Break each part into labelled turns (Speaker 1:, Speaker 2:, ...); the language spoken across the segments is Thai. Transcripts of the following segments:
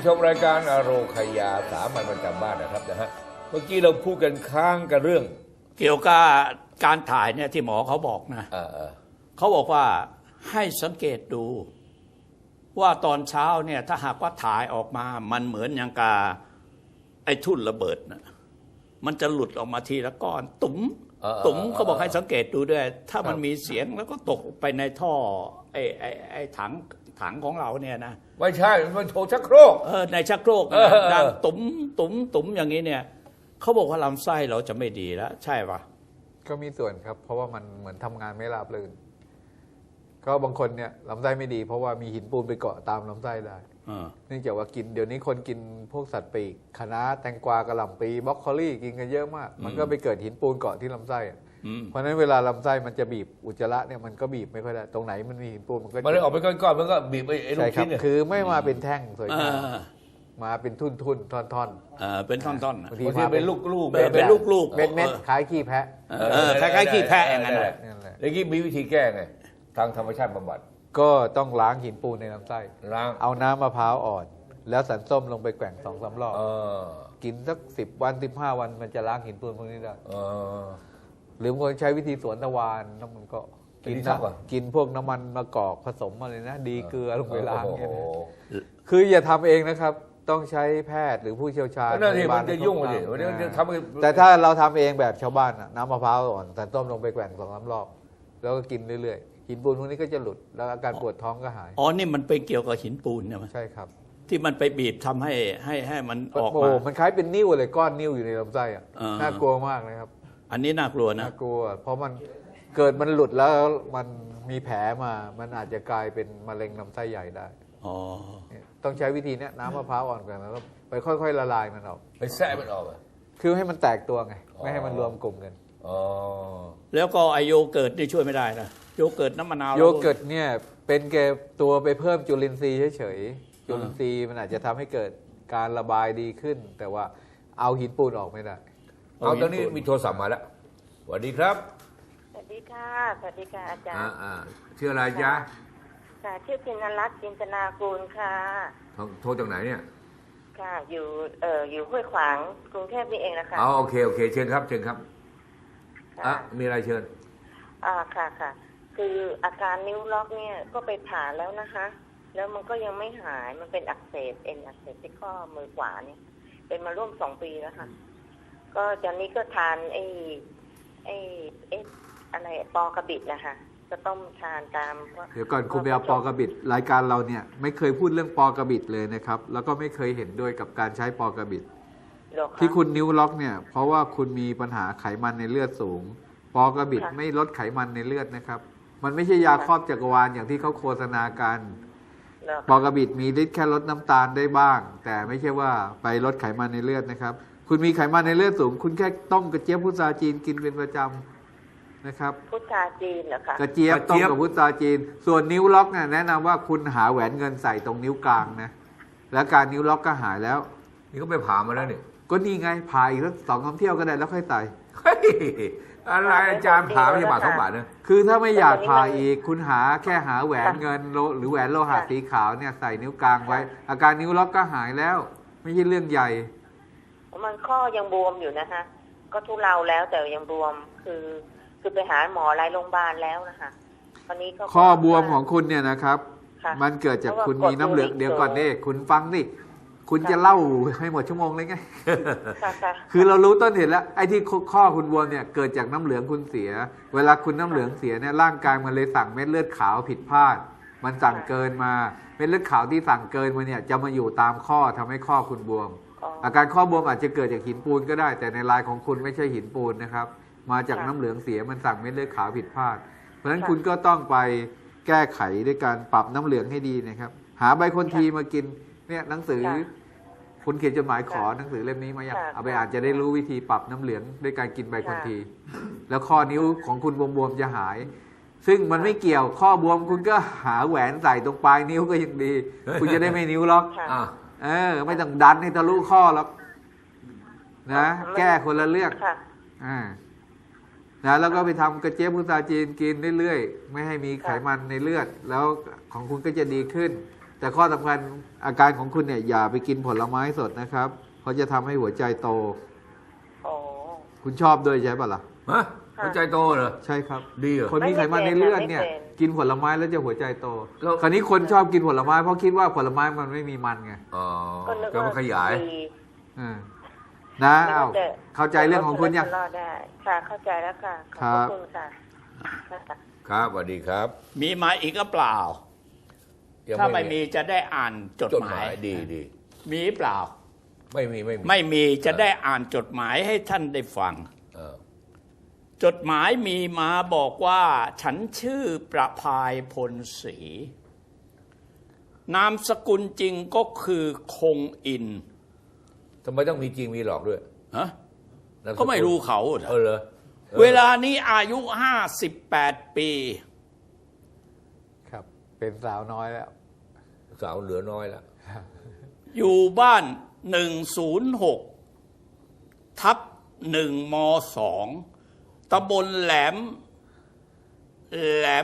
Speaker 1: ชมรายการอโรคยาสามัญประจำบ้านนะครับนะฮะเมื่อกี้เราพูดกันค้างกันเรื่อง
Speaker 2: เกี่ยวกับการถ่ายเนี่ยที่หมอเขาบอกนะเขาบอกว่าให้สังเกตดูว่าตอนเช้าเนี่ยถ้าหากว่าถ่ายออกมามันเหมือนอย่างกาไอ้ทุ่นระเบิดนะมันจะหลุดออกมาทีละก้อนตุ๋มเขาบอกให้สังเกตดูด้วยถ้ามันมีเสียงแล้วก็ตกไปในท่อไอ้ถังของเราเนี่ยนะ
Speaker 1: ไม่ใช่มันโถชักโครก
Speaker 2: ในชักโครกดังตุ๋มอย่างนี้เนี่ยเขาบอกว่าลำไส้เราจะไม่ดีแล้วใช่ปะ
Speaker 3: ก็มีส่วนครับเพราะว่ามันเหมือนทำงานไม่ราบรื่นก็บางคนเนี่ยลำไส้ไม่ดีเพราะว่ามีหินปูนไปเกาะตามลำไส้ได้เนื่องจากว่ากินเดี๋ยวนี้คนกินพวกสัตว์ปีกคะน้าแตงกวากระหล่ำปีบรอกโคลี่กินกันเยอะมากมันก็ไปเกิดหินปูนเกาะที่ลำไส้เพราะฉะนั้นเวลาลำไส้มันจะบีบอุจจาระเนี่ยมันก็บีบไม่ค่อยได้ตรงไหนมันมีหินปูนมันก็
Speaker 1: เลยออกไปก้อนๆมันก็บีบไอ้ลูกชิ้นเนี่ย
Speaker 3: คือไม่มาเป็นแท่งสวยงามมาเป็นทุ่นท่อน
Speaker 2: เป็นท่อน
Speaker 1: บางทีเป็นลูก
Speaker 2: เป็นลูก
Speaker 3: เม็ดคล้ายขี้แพะ
Speaker 2: คล้ายขี้แพะอย่างนั้นแหละ
Speaker 1: แล้วกี้มีวิธีแก้ไงทางธรรมชาติบำบัด
Speaker 3: ก็ต้องล้างหินปูนในลำไส้
Speaker 1: ล้าง
Speaker 3: เอาน้ำมะพร้าวอ่อนแล้วสันส้มลงไปแกว่ง2-3 รอบกินสัก10 วัน15 วันมันจะล้างหินปูนพวกนี้ได้หรือบางคนใช้วิธีสวนตะวันน้ำมันก็กินพวกน้ำมันมะกอกผสมอะไรนะดีเกลือลงไปล้างเนี่ยคืออย่าทำเองนะครับต้องใช้แพทย์หรือผู้เชี่ยวชาญ
Speaker 1: นั่นเองมันจะยุ่งเลย
Speaker 3: แต่ถ้าเราทำเองแบบชาวบ้านน้ำมะพร้าวอ่อนสันส้มลงไปแกว่ง2-3 รอบแล้วก็กินเรื่อยๆหินปูนพวกนี้ก็จะหลุดแล้วอาการปวดท้องก็หาย
Speaker 2: นี่มันเป็นเกี่ยวกับหินปูนใช่ไหม
Speaker 3: ใช่ครับ
Speaker 2: ที่มันไปบีบทำให้มันออกมา
Speaker 3: มันคล้ายเป็นนิ่วเลยก้อนนิ่วอยู่ในลำไส้น่ากลัวมากเลยครับ
Speaker 2: อันนี้น่ากลัวนะ
Speaker 3: น่ากลัวเพราะมันเกิดมันหลุดแล้วมันมีแผลมามันอาจจะกลายเป็นมะเร็งลำไส้ใหญ่ได้ต้องใช้วิธีนี้น้ำมะพร้าวอ่อนก่อนแล้วไปค่อยๆละลายมันออก
Speaker 1: ไปแทะมันออก
Speaker 3: คือให้มันแตกตัวไงไม่ให้มันรวมกลุ่มกัน
Speaker 2: แล้วก็ไอโยเกิร์ตนี่ช่วยไม่ได้นะโยเกิร์ตน้ำมะนาว
Speaker 3: โยเกิร์ตเนี่ยเป็นแค่ตัวไปเพิ่มจุลินทรีย์เฉยๆจุลินทรีย์มันอาจจะทำให้เกิดการระบายดีขึ้นแต่ว่าเอาหินปูนออกไม่ได้
Speaker 1: เอาตอนนี้มีโทรศัพท์มาแล้วสวัสดีครับ
Speaker 4: สวัสดีค่ะสวัสดีค่ะอาจารย์
Speaker 1: ชื่ออะไรจ๊ะ
Speaker 4: ค่ะชื่อพินรัตน์จินตนากูลค่ะ
Speaker 1: โทรจากไหนเนี่ย
Speaker 4: ค่ะอยู่ห้วยขวางกรุงเทพนี่เองนะคะ
Speaker 1: โอเคเชิญครับมีอะไรเชิญ
Speaker 4: ค่ะคืออาการนิ้วล็อกเนี่ยก็ไปผ่าแล้วนะคะแล้วมันก็ยังไม่หายมันเป็นอักเสบอักเสบที่ข้อมือขวาเนี่ยเป็นมาร่วม2 ปีแล้วค่ะก็ตอนนี้ก็ทานอะไรปอกระบิดนะคะจะต้มทานตาม
Speaker 3: เดี๋ยวก่อนคุณไปเอาปอกระบิดรายการเราเนี่ยไม่เคยพูดเรื่องปอกระบิดเลยนะครับแล้วก็ไม่เคยเห็นด้วยกับการใช้ปอกระบิดที่คุณนิ้วล็อกเนี่ยเพราะว่าคุณมีปัญหาไขมันในเลือดสูงปอกระบิดไม่ลดไขมันในเลือดนะครับมันไม่ใช่ยาครอบจักรวาลอย่างที่เขาโฆษณากันปอกระบิดมีฤทธิ์แค่ลดน้ำตาลได้บ้างแต่ไม่ใช่ว่าไปลดไขมันในเลือดนะครับคุณมีไขมันในเลือดสูงคุณแค่ต้มกระเจี๊ยบพุทราจีนกินเป็นประจำนะครับ
Speaker 4: พุทราจีนเหรอคะ
Speaker 3: กระเจี๊ยบต้มกับพุทราจีนส่วนนิ้วล็อกเนี่ยแนะนำว่าคุณหาแหวนเงินใส่ตรงนิ้วกลางนะแล้วการนิ้วล็อกก็หายแล้ว
Speaker 1: นี่ก็ไปผ่ามาแล้วนี่
Speaker 3: ก็นี่ไงผ่าอีกสัก2-3 เที่ยวก็ได้แล้วค่อยใส่
Speaker 1: อะไรอาจารย์ผ่าไม่ใช่บาท2 บาทนะ
Speaker 3: คือถ้าไม่อยากผ่าอีกคุณหาแค่หาแหวนเงินหรือแหวนโลหะสีขาวเนี่ยใส่นิ้วกลางไว้อาการนิ้วล็อกก็หายแล้วไม่ใช่เรื่องใหญ่
Speaker 4: มันข้อยังบวมอยู่นะคะก็ทุเลาแล้วแต่ยังบวมคือไปหาหมอหลายโรงพยาบาลแล้วนะคะตอนนี้
Speaker 3: ข้อบวมของคุณเนี่ยนะครับมันเกิดจากคุณมีน้ำเหลืองเดี๋ยวก่อนนี่คุณฟังดิคุณจะเล่าให้หมดชั่วโมงเลยไงคือเรารู้ต้นเหตุแล้วไอ้ที่ข้อคุณบวมเนี่ยเกิดจากน้ำเหลืองคุณเสียเวลาคุณน้ำเหลืองเสียเนี่ยร่างกายมันเลยสั่งเม็ดเลือดขาวผิดพลาดมันสั่งเกินมาเม็ดเลือดขาวที่สั่งเกินมาเนี่ยจะมาอยู่ตามข้อทำให้ข้อคุณบวมอาการข้อบวมอาจจะเกิดจากหินปูนก็ได้แต่ในรายของคุณไม่ใช่หินปูนนะครับมาจากน้ำเหลืองเสียมันสั่งเม็ดเลือดขาวผิดพลาดเพราะฉะนั้นคุณก็ต้องไปแก้ไขด้วยการปรับน้ำเหลืองให้ดีนะครับหาใบคนทีมากินเนี่ยหนังสือคุณเขียนจดหมายขอหนังสือเล่มนี้มาอยากเอาไปอ่านจะได้รู้วิธีปรับน้ำเหลืองด้วยการกินใบคนทีแล้วข้อนิ้วของคุณบวมๆจะหายซึ่งมันไม่เกี่ยวข้อบวมคุณก็หาแหวนใส่ตรงปลายนิ้วก็ยังดีคุณจะได้ไม่นิ้วล็อกไม่ต้องดันให้ทะลุข้อหรอกนะแก้คนละเรื่องนะแล้วก็ไปทำกระเจี๊ยบพุทราจีนกินเรื่อยๆไม่ให้มีไขมันในเลือดแล้วของคุณก็จะดีขึ้นแต่ข้อสำคัญอาการของคุณเนี่ยอย่าไปกินผลไม้สดนะครับเพราะจะทำให้หัวใจโต
Speaker 4: อ๋อ
Speaker 3: คุณชอบด้วยใช่ป่ะล่ะ
Speaker 1: ฮะหัวใจโตเหรอ
Speaker 3: ใช่ครับ
Speaker 1: ดีเหรอ
Speaker 3: คนมีไขมันในเลือดเนี่ย
Speaker 4: ไม่เป็น
Speaker 3: กินผลไม้แล้วจะหัวใจโต
Speaker 1: แล้ว
Speaker 3: คราวนี้คนชอบกินผลไม้เพราะคิดว่าผลไม้มันไม่มีมันไง
Speaker 1: อ๋อ
Speaker 4: ก็นึก
Speaker 1: ก็
Speaker 4: ว่า
Speaker 1: มาขยาย
Speaker 4: ดี
Speaker 3: อ่านะเอาเข้าใจเรื่องของคุณยัง
Speaker 4: รอดได้ค่ะเข้าใจแล้วค่ะขอบพระคุณค่ะค่ะ
Speaker 1: ครับสวัสดีครับ
Speaker 2: มีมาอีกก็เปล่า
Speaker 1: ยัง
Speaker 2: ถ้าไม่มีจะได้อ่านจด
Speaker 1: จด
Speaker 2: ห
Speaker 1: ห
Speaker 2: มาม
Speaker 1: าย ยดีดี
Speaker 2: มีเปล่า
Speaker 1: ไม่มี
Speaker 2: ไม่มีจะได้อ่านจดหมายให้ท่านได้ฟัง
Speaker 1: เออ
Speaker 2: จดหมายมีมาบอกว่าฉันชื่อประภายพลศรีนามสกุลจริงก็คือคงอิน
Speaker 1: ทำไมต้องมีจริงมีหลอกด้วย
Speaker 2: ฮะ
Speaker 1: นามสล
Speaker 2: ก็ไม่รู้เขาเหรอ
Speaker 1: เหรอออ
Speaker 2: เวลานี้อายุ58 ปี
Speaker 3: ครับ เป็นสาวน้อยแล้ว
Speaker 1: สาวเหลือน้อยแล้ว
Speaker 2: อยู่บ้าน 106/1 ม 2 ตำบลแหลม
Speaker 1: แหลม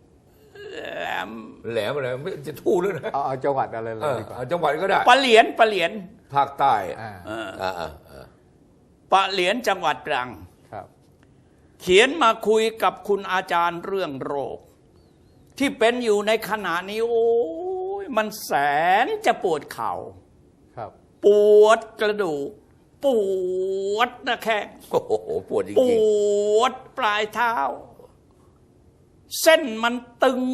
Speaker 1: อะไรไม่จะทู่หรือนะ
Speaker 3: เอาจังหวัดอะไรเล
Speaker 1: เอย อ
Speaker 3: ดีกว่า
Speaker 1: เอาจังหวัดก็ได้
Speaker 2: ปะเหลียน
Speaker 1: ภาคใต้
Speaker 3: อ่า
Speaker 2: ปะเหลียนจังหวัดตรัง
Speaker 3: ครับ
Speaker 2: เขียนมาคุยกับคุณอาจารย์เรื่องโรค ที่เป็นอยู่ในขณะนี้ โอ้ยมันแสนจะปวดเข่า
Speaker 3: ครับ
Speaker 2: ปวดกระดูก ปวดหน้าแข้ง
Speaker 1: โอ้โหปวดจ
Speaker 2: ป
Speaker 1: ริง
Speaker 2: วดปลายเท้า เส้นมันตึง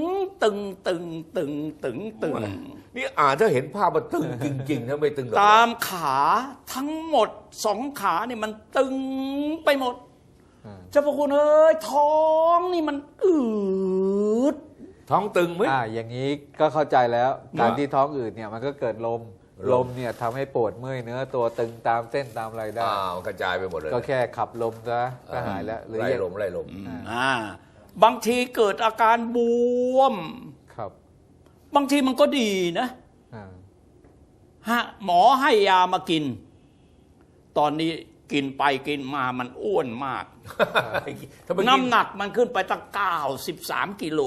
Speaker 1: ๆนี่อ่านถ้าเห็นภาพมันตึงจริงๆถ้าไม่ตึงหรอก
Speaker 2: ตามขาทั้งหมด2 ขานี่มันตึงไปหมด เจ้าพระคุณเอ้ยท้องนี่มันอืด
Speaker 1: ท้องตึงไหม
Speaker 3: อย่างนี้ก็เข้าใจแล้ว การที่ท้องอืดเนี่ยมันก็เกิดลม
Speaker 1: ล
Speaker 3: ล
Speaker 1: ม
Speaker 3: มเนี่ยทำให้ปวดเมื่อยเนื้อตัวตึงตามเส้นตามอะไรได้
Speaker 1: กระจายไปหมดเลย
Speaker 3: ก็แค่ขับลมซะก็หายแล้ว หรือ
Speaker 1: ไล่
Speaker 3: ยัง
Speaker 1: ลม
Speaker 2: บางทีเกิดอาการบวม
Speaker 3: ครับ
Speaker 2: บางทีมันก็ดีนะ
Speaker 3: อ่า
Speaker 2: หมอให้ยามากิน ตอนนี้กินไปกินมามันอ้วนมาก
Speaker 1: ถ้าไปกิ
Speaker 2: น้ำหนักมันขึ้นไปตั้ง93 กิโล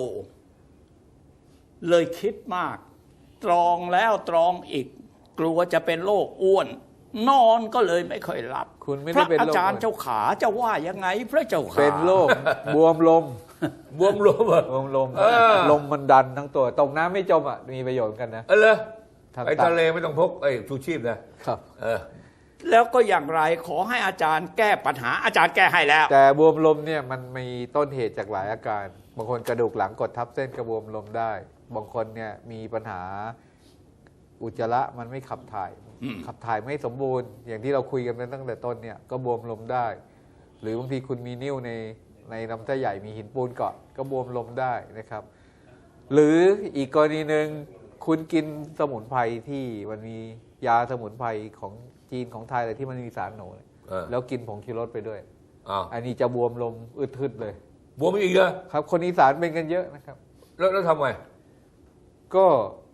Speaker 2: เลยคิดมาก ตรองแล้วตรองอีก กลัวจะเป็นโรคอ้วน นอนก็เลยไม่ค่อยหลับ
Speaker 3: คุณไม่
Speaker 2: พ
Speaker 3: ได้
Speaker 2: ระ
Speaker 3: เป็น
Speaker 2: อา
Speaker 3: โรค
Speaker 2: จารย์เจ้าขาจะว่ายังไงพระเจ้าขา
Speaker 3: เป็นโรคบวมลม
Speaker 1: บวมลมเหรอบ
Speaker 3: วมลม
Speaker 1: เออ
Speaker 3: ลมมันดันทั้งตัวตกน้ำไม่จมอ่ะมีประโยชน์กันนะ
Speaker 1: เออเลย
Speaker 3: ทำ
Speaker 1: ไปทะเลไม่ต้องพกชูชีพนะครับ
Speaker 2: แล้วก็อย่างไรขอให้อาจารย์แก้ปัญหาอาจารย์แก้ให้แล้ว
Speaker 3: แต่บวมลมเนี่ยมันมีต้นเหตุจากหลายอาการ บางคนกระดูกหลังกดทับเส้นกระบวมลมได้ บางคนเนี่ยมีปัญหาอุจจาระมันไม่ขับถ่าย ขับถ่ายไม่สมบูรณ์ อย่างที่เราคุยกันไปตั้งแต่ต้นเนี่ยก็บวมลมได้ หรือบางทีคุณมีนิ่วในลำไส้ใหญ่มีหินปูนเกาะก็บวมลมได้นะครับ หรืออีกกรณีหนึ่งคุณกินสมุนไพรที่มันมียาสมุนไพรของจีนของไทยอะไรที่มันมีสารโหนเนี่ย แล้วกินผงชูรสไปด้วย อันนี้จะบวมลมอึดทึดเลย
Speaker 1: บวมอีกเหรอ
Speaker 3: ครับ คนอีสานเป็นกันเยอะนะครับ
Speaker 1: แล้วทำไง
Speaker 3: ก็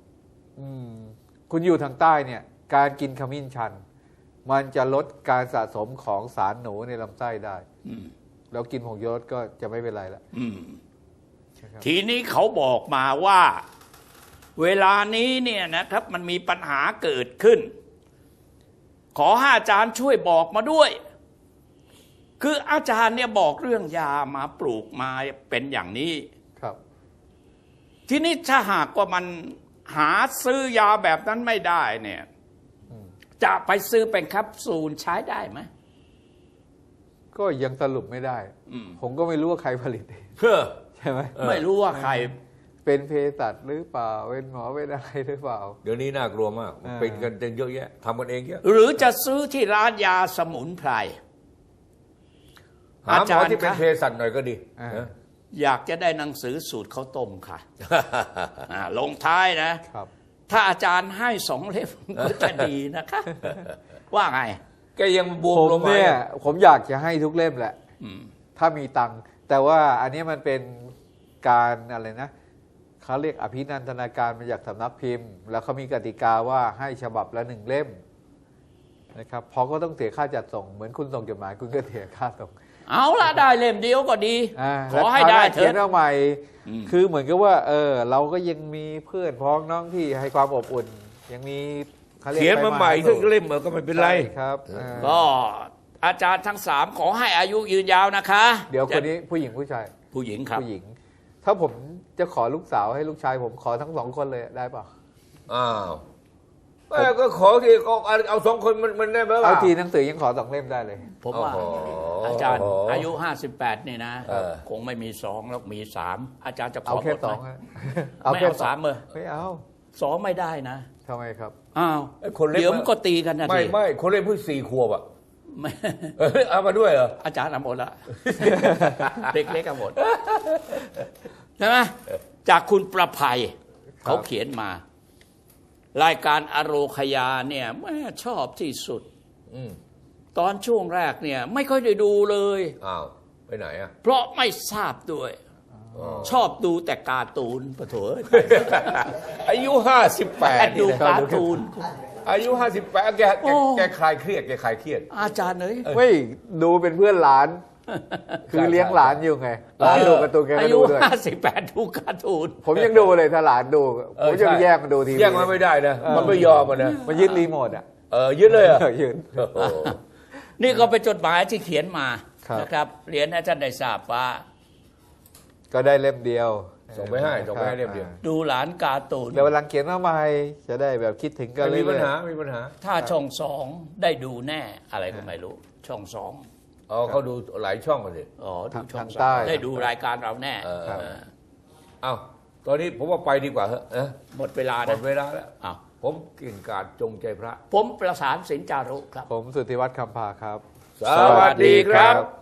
Speaker 3: คุณอยู่ทางใต้เนี่ย การกินขมิ้นชัน มันจะลดการสะสมของสารหนูในลำไส้ได้แล้วกินผงชูรสก็จะไม่เป็นไรละ
Speaker 2: ทีนี้เขาบอกมาว่า เวลานี้เนี่ยนะครับมันมีปัญหาเกิดขึ้น ขอให้อาจารย์ช่วยบอกมาด้วย คืออาจารย์เนี่ยบอกเรื่องยามาปลูกมาเป็นอย่างนี้
Speaker 3: ครับ
Speaker 2: ทีนี้ถ้าหากว่ามันหาซื้อยาแบบนั้นไม่ได้เนี่ยจะไปซื้อเป็นแคปซูลใช้ได้ไหม
Speaker 3: ก็ยังสรุปไม่ได้ ผมก็ไม่รู้ว่าใครผลิต ใช่ไหม
Speaker 2: ไม่รู้ว่าใคร
Speaker 3: เป็นเภสัชหรือเปล่าเป็นหมอเป็นอะไรหรือเปล่า
Speaker 1: เดี๋ยวนี้น่ากลัวมาก เป็นกันเยอะแยะทำกันเองเยอะ
Speaker 2: หรือจะซื้อที่ร้านยาสมุนไพร
Speaker 1: หาหมอที่เป็นเภสัชหน่อยก็ดี
Speaker 2: อยากจะได้หนังสือสูตรข้าวต้มค่ะ ลงท้ายนะ
Speaker 3: ครับ
Speaker 2: ถ้าอาจารย์ให้2 เล่มก็จะดีนะคะ ว่าไง
Speaker 1: แกยังบวม
Speaker 3: ผม
Speaker 1: ลงมา
Speaker 3: เนี่ยผมอยากจะให้ทุกเล่มแหละถ้ามีตังค์แต่ว่าอันนี้มันเป็นการอะไรนะเขาเรียกอภินันทนาการมาจากสำนักพิมพ์ แล้วเขามีกติกาว่าให้ฉบับละ1 เล่มนะครับเพราะก็ต้องเสียค่าจัดส่งเหมือนคุณส่งจดหมายคุณก็เสียค่าส่ง
Speaker 2: เอาละได้เล่มเดียวก็ดี ขอให้ได้เถ
Speaker 3: เขียน
Speaker 2: อะ
Speaker 3: เอาใหม่คือเหมือนกับว่าเราก็ยังมีเพื่อนพ้องน้องที่ให้ความอบอุ่นยังมีขารีก
Speaker 1: เขียนมาใหม่สักเล่มก็ไม่เป็นไร
Speaker 3: ใช่ครับ
Speaker 2: ก็อาจารย์ทั้งสามขอให้อายุยืนยาวนะคะ
Speaker 3: เดี๋ยวคนนี้ผู้หญิงผู้ชาย
Speaker 2: ผู้หญิงครับ
Speaker 3: ผู้หญิง ถ้าผมจะขอลูกสาวให้ลูกชายผมขอทั้ง2 คนเลยได้เปล่า
Speaker 1: อ้าวก็ขอที่เอา2 คนมันได้ไหม
Speaker 3: เอาทีหนังสือยังขอ2 เล่มได้เลย
Speaker 2: ผมว่า
Speaker 1: โอ้โห
Speaker 2: อาจารย์อายุ58นี่นะ
Speaker 1: เออ
Speaker 2: คงไม่มี2แล้วมี3อาจารย์จะข
Speaker 3: เอา
Speaker 2: อ
Speaker 3: แค่
Speaker 2: หมดไหม
Speaker 3: 2อะ
Speaker 2: ไม่เอา3เลย
Speaker 3: ไม่เอา
Speaker 2: 2ไม่ได้นะ
Speaker 3: ทำไมครับ
Speaker 2: อ้าว
Speaker 1: ไอ้คนเล็ก
Speaker 2: เดี๋ยวมันก็ตีกันนะ
Speaker 1: ไม่
Speaker 2: ที
Speaker 1: ไม่คนเล่นเพิ่ง4 ขวบอ่ะ
Speaker 2: ไม่
Speaker 1: เอามาด้วยเหรอ
Speaker 2: อาจารย์เอาหมดละ เด็กเล็กเอาหมดใช่ไหมจากคุณประภัยเขาเขียนมา รายการอโรคยาเนี่ยแม่ชอบที่สุด
Speaker 1: อืม
Speaker 2: ตอนช่วงแรกเนี่ยไม่ค่อยได้ดูเลย
Speaker 1: อ้าวไปไหนอ่ะ
Speaker 2: เพราะไม่ทราบด้วย ชอบดูแต่การ์ตูนปะโถ
Speaker 1: อายุ58
Speaker 2: ดู
Speaker 1: นี่นะ
Speaker 2: การ์ตูน
Speaker 1: อายุ58แกคลายเครียดแกคลายเครียด
Speaker 2: อาจารย์เอ้ย
Speaker 3: ไม่ดูเป็นเพื่อนหลาน คือเลี้ยงหลานอยู่ไงหลานดูการ์ตูนแก
Speaker 2: อา
Speaker 3: ก็
Speaker 2: ยุ
Speaker 3: ดูด้วย
Speaker 2: 58ดูการ์ตูน
Speaker 3: ผมยังดูเลยถ้าหลานดูผมจะไปแยกมันดูทีวี
Speaker 1: แย่งมันไม่ได้นะมันไม่ยอมมันนะ
Speaker 3: มันยึดรีโมทอ่ะ
Speaker 1: ยึดเลยเหรอ่ะ
Speaker 3: ยึด
Speaker 2: นี่ก็เป็นจดหมายที่เขียนมา
Speaker 3: ครับ
Speaker 2: นะครับเรียนให้ท่านได้ทราบว่า
Speaker 3: ก็ได้เล่มเดียว
Speaker 1: ส่งไปให้เล่มเดียว
Speaker 2: ดูหลานการ์ตูน
Speaker 3: เดี๋ยววันหลังเขียนมาใหม่จะได้แบบคิดถึงกัน
Speaker 1: ไม่
Speaker 3: เรื่
Speaker 1: มีปัญ
Speaker 3: อย
Speaker 1: หาไม่มีปัญหา
Speaker 2: ถ้าช่อง2ได้ดูแน่อะไรก็ไม่รู้ ช่อง2
Speaker 1: อ๋อเขาดูหลายช่องกันสิ
Speaker 2: อ๋อดูช่อง
Speaker 3: ทางใต้
Speaker 2: 2ได้ดูรายการเราแน่
Speaker 3: ครับ
Speaker 1: เอ้าตอนนี้ผมว่าไปดีกว่าเหอะนะ
Speaker 2: หมดเวลา
Speaker 1: หม
Speaker 2: นะ
Speaker 1: ดเวลาแล้ว
Speaker 2: อ้าว
Speaker 1: ผมกิ่งกาดจงใจพระ
Speaker 2: ผมประสานสินจารุครับ
Speaker 3: ผมสุทธิวัฒน์คำภาครับ
Speaker 1: สวัสดีครับ